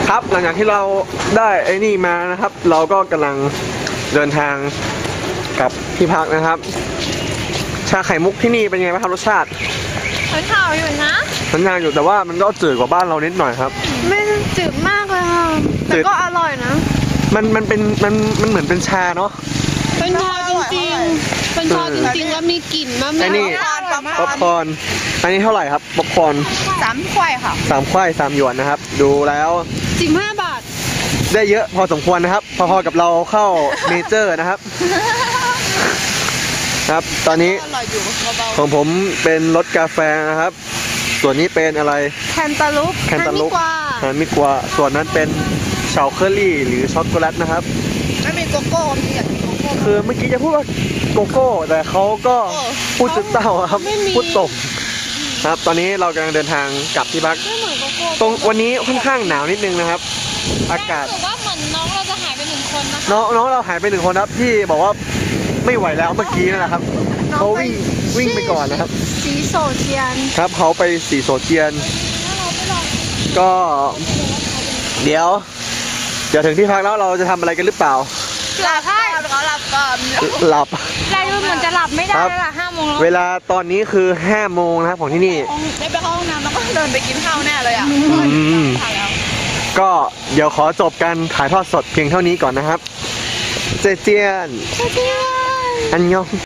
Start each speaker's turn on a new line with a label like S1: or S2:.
S1: ครับหลังจากที่เราได้ไอ้นี่มานะครับ เราก็กำลังเดินทางกลับที่พักนะครับ ชาไข่มุกที่นี่เป็นไงบ้างครับรสชาติ
S2: มันข่าวอยู่นะ
S1: มันยากอยู่แต่ว่ามันก็จืดกว่าบ้านเรานิดหน่อยครับ
S2: ไม่จืดมากเลยค่ะแต่ก็อร่อยนะ
S1: มันเป็นมันเหมือนเป็นชาเนาะ
S2: เป็นชาจริงๆเป็นชาจริงๆแล้วมีกลิ่นมากๆ
S1: อันนี้ป๊อปคอร์นอันนี้เท่าไหร่ครับป๊อปคอร์น
S2: 3 ถ้วยค่ะ
S1: 3 ถ้วย3 หยวนนะครับดูแล้ว
S2: 15 บาท
S1: ได้เยอะพอสมควรนะครับพอๆกับเราเข้าเมเจอร์นะครับครับตอนนี้ของผมเป็นรสกาแฟนะครับส่วนนี้เป็นอะไร
S2: แคนตาลูป
S1: แคนตาลูปแคนมิกวาส่วนนั้นเป็นเฉาเคอรี่หรือช็อกโกแลตนะครับ
S2: ไม่มีโกโก้มีอย่างโกโก้
S1: คือเมื่อกี้จะพูดว่าโกโก้แต่เขาก็พูดจุดเต้าครับพูดตกครับตอนนี้เรากำลังเดินทางกลับที่พักตรงวันนี้ค่อนข้างหนาวนิดนึงนะครับอากาศ
S2: ว่าเหมือนน้องเราจะหายไป1 คนนะคะ
S1: น้องเราหายไป1 คนครับที่บอกว่าไม่ไหวแล้วเมื่อกี้นั่นแหละครับเขาวิ่งไปก่อนนะครับ
S2: สีโซเจียน
S1: ครับเขาไปสีโซเจียนก็เดี๋ยวถึงที่พักแล้วเราจะทำอะไรกันหรือเปล่า
S2: หลับให้เขาหลับก่อน
S1: หลับ
S2: ได้ดูเหมือนจะหลับไม่ได้แล้วล่ะ5 โมงแล้ว
S1: เวลาตอนนี้คือ5 โมงนะครับของที่นี่
S2: ได้ไปเข้าห้องน้ำแล้วก็เดินไปกินข้าวแน่เลยอ่ะ
S1: ก็เดี๋ยวขอจบการถ่ายทอดสดเพียงเท่านี้ก่อนนะครับเจเจียนอันยอง